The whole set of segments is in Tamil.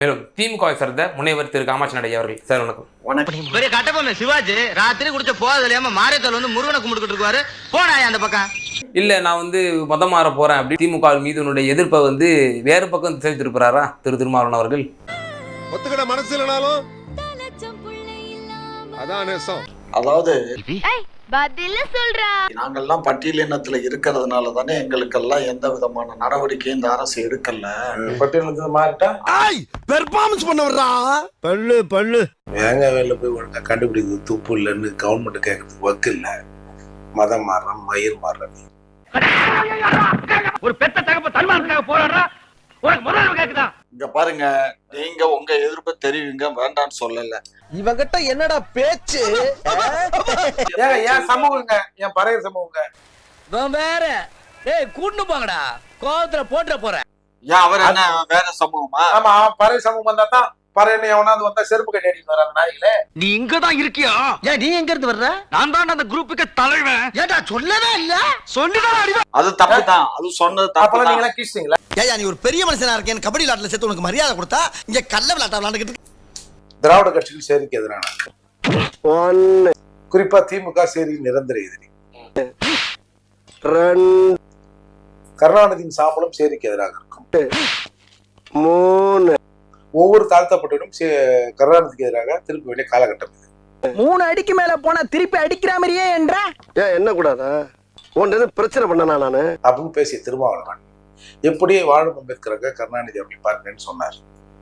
மேலும் திமுக சேர்ந்த முனைவர் திரு காமாட்சி நாயுடு அவர்கள். சார் வணக்கம். பெரிய கட்டபொம்மன் சிவாஜி ராத்திரி குடிச்ச போதில்லாம மாரியத்தால் வந்து முருகனை கும்பிட்டுக்கிட்டு இருக்காரு. போனாயா அந்த பக்கம்? இல்ல நான் மதம் மாற போறேன் அப்படி திமுக மீது எதிர்ப்பை வேறு பக்கம் திசை திருப்புறாரா திருமாவளவன் அவர்கள்? ஒத்துக்கிட மனசு இல்லைனாலும் அதான் நேசம். அதாவது நாங்கெல்லாம் பட்டியலினத்துல இருக்கிறதுனால தானே எங்களுக்கெல்லாம் எந்த விதமான நடவடிக்கையும் இந்த அரசு எடுக்கல. பட்டியலினத்துல மாறிட்டா பெர்ஃபார்மன்ஸ் பண்ண வர்றா பல்லு பல்லு வேங்க வேலை போய் ஒழுங்கா கண்டுபிடிக்கிறது துப்பு இல்லைன்னு கவர்மெண்ட் கேட்கறதுக்கு வக்கு இல்ல. மதம் மாறுறோம், மயிர் மாறுறோம். ஒரு பெத்த தகப்ப தன்மானத்துக்காக போராடுறா. உனக்கு முதல்ல கேக்குதா? இங்க பாருங்க, நீங்க உங்க எதிர்ப்பை தெரிவிங்க, வேண்டான்னு சொல்லல. இவங்கிட்ட என்னடா பேச்சு? ஏன் சமூகங்க, என் பறைய சமூகங்க வேற கூட்டு போங்கடா, கோவத்துல போட்டுற போறேன். ஏன் அவர் என்ன வேற சமூகமா? ஆமா, பறை சமூகம் வந்தா தான் பறையனை எவனாவது வந்தா செருப்பு கட்டி அடிட்டு வராங்க நாய்களே. நீ இங்கதான் இருக்கியா? ஏன் நீ எங்க இருந்து வர்ற? நான் தான் அந்த குரூப்புக்கு தலைவன். ஏடா சொல்லவே இல்ல. சொல்லிதான் அடிவா. அது தப்பு தான், அது சொன்னது தப்பு. நீங்க எல்லாம் கிறிஸ்டிங்களா? ஏயா நீ ஒரு பெரிய மனுஷனா இருக்கேன், கபடி விளையாட்டுல சேர்த்து உனக்கு மரியாதை கொடுத்தா இங்க கள்ள விளையாட்ட விளையாண்டுக்கிட்டு. திராவிட கட்சிகள் சேரிக்கு எதிரான, குறிப்பா திமுக சேரி நிரந்தர எதிரி. கருணாநிதியின் சாம்பலும் சேரிக்கு எதிராக இருக்கும். ஒவ்வொரு தாழ்த்தப்பட்டவரும் கருணாநிதிக்கு எதிராக திருப்பி வேண்டிய காலகட்டம் இது. 3 அடிக்கு மேல போனா திருப்பி அடிக்கிற மாதிரியே என்ற என்ன கூடாதா உன்ன பிரச்சனை பண்ணனா நானு அப்படின்னு பேசிய திருமாவளவன் எப்படி வாழும் அம்பேத்கராக கருணாநிதி அப்படி பாருங்கன்னு சொன்னார்.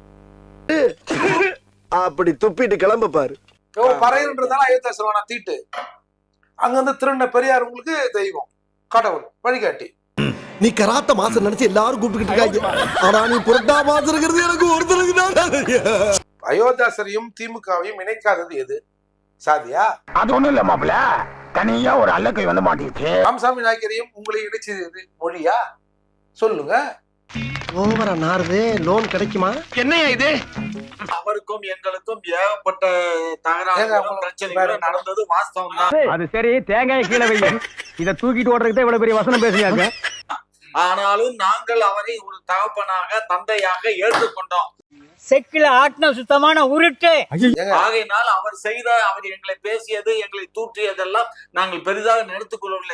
அப்படி துப்பிட்டு கிளம்ப பாரு. பறையன்றதால அயோத்தியா செல்வானா தீட்டு, அங்க வந்து திருண்ண பெரியார் உங்களுக்கு தெய்வம், கடவுள், வழிகாட்டி. நீ கராத்த மாசம் நினைச்சு எல்லாரும் கூப்பிட்டுக்கிட்டு இருக்காங்க. ஆனா நீ புரட்டா மாசம் இருக்கிறது எனக்கு ஒருத்தருக்கு. அயோத்தியாசரையும் திமுகவையும் இணைக்காதது எது? சாதியா? அது ஒண்ணும் இல்ல மாப்பிள, தனியா ஒரு அல்லக்கை வந்து மாட்டிச்சு. ராமசாமி நாயக்கரையும் உங்களை இணைச்சது எது? மொழியா? சொல்லுங்க. ஓவரா நாருது, லோன் கிடைக்குமா? என்னையா இது? அவருக்கும் எங்களுக்கும் ஏகப்பட்ட தகராறுகளும் பிரச்சனைகளும் நடந்தது வாஸ்தவம் தான். அது சரி, தேங்காய் கீழே வைங்க. இத தூக்கிட்டு ஓடுறதுக்கு இவ்வளவு பெரிய வசனம் பேசுறாங்க. ஆனாலும் நாங்கள் அவரை ஒரு தகப்பனாக தந்தையாக ஏற்றுக்கொண்டோம். செக்கில ஆட்டின சுத்தமான உருட்டு. ஆகையினால் அவர் எங்களை பேசியது, எங்களை தூற்றியதெல்லாம் நாங்கள் பெரிதாக நினைத்துக் கொள்ளவில்லை.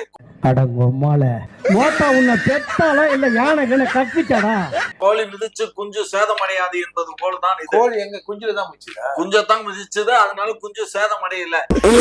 கோழி மிதிச்சு குஞ்சு சேதமடையாது என்பது போலதான் இது. கோழி எங்க குஞ்சுலதான் மிதிச்சதா? குஞ்சத்தான் மிதிச்சது, அதனால குஞ்சு சேதமடையல.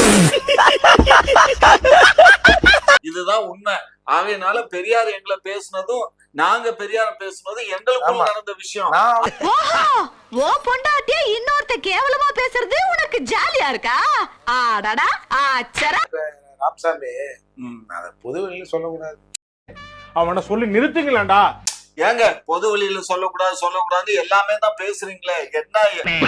இதுதான் உண்மை. ஆகையினால பெரியார் எங்களை பேசினதும் நாங்க பெரியார பேசுனதும் எங்களுக்குள்ள நடந்த விஷயம். பொண்டாட்டியா இன்னொருத்த கேவலமா பேசுறது உனக்கு ஜாலியா இருக்கா? ஆடாடா ஆச்சரா. ராமசாமி, பொது வெளியில சொல்லக்கூடாது. அவனை சொல்லி நிறுத்துங்களேன்டா. ஏங்க பொது வெளியில சொல்லக்கூடாது எல்லாமே தான் பேசுறீங்களே, என்ன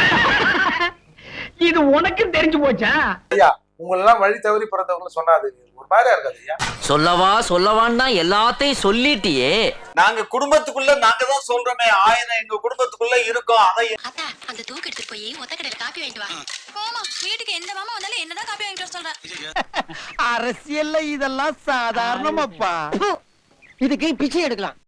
இது உனக்கு தெரிஞ்சு போச்சா? ஐயா, உங்களெல்லாம் வழி தவறி பிறந்தவங்க சொன்னாது ஒரு மாதிரியா இருக்காது ஐயா. சொல்லவான்னா எல்லாத்தையும் சொல்லிட்டியே. நாங்க குடும்பத்துக்குள்ள நாங்க தான் சொல்றோமே, 1000 எங்க குடும்பத்துக்குள்ள இருக்கோம். அதை அந்த தூக்கு எடுத்து போய் ஒத்த கடையில காப்பி வாங்கிட்டு வா. போமா, வீட்டுக்கு எந்த மாமா வந்தாலும் என்னதான் காப்பி வாங்கிட்டு வர சொல்ற? அரசியல்ல இதெல்லாம் சாதாரணமாப்பா. இதுக்கு பிச்சை எடுக்கலாம்.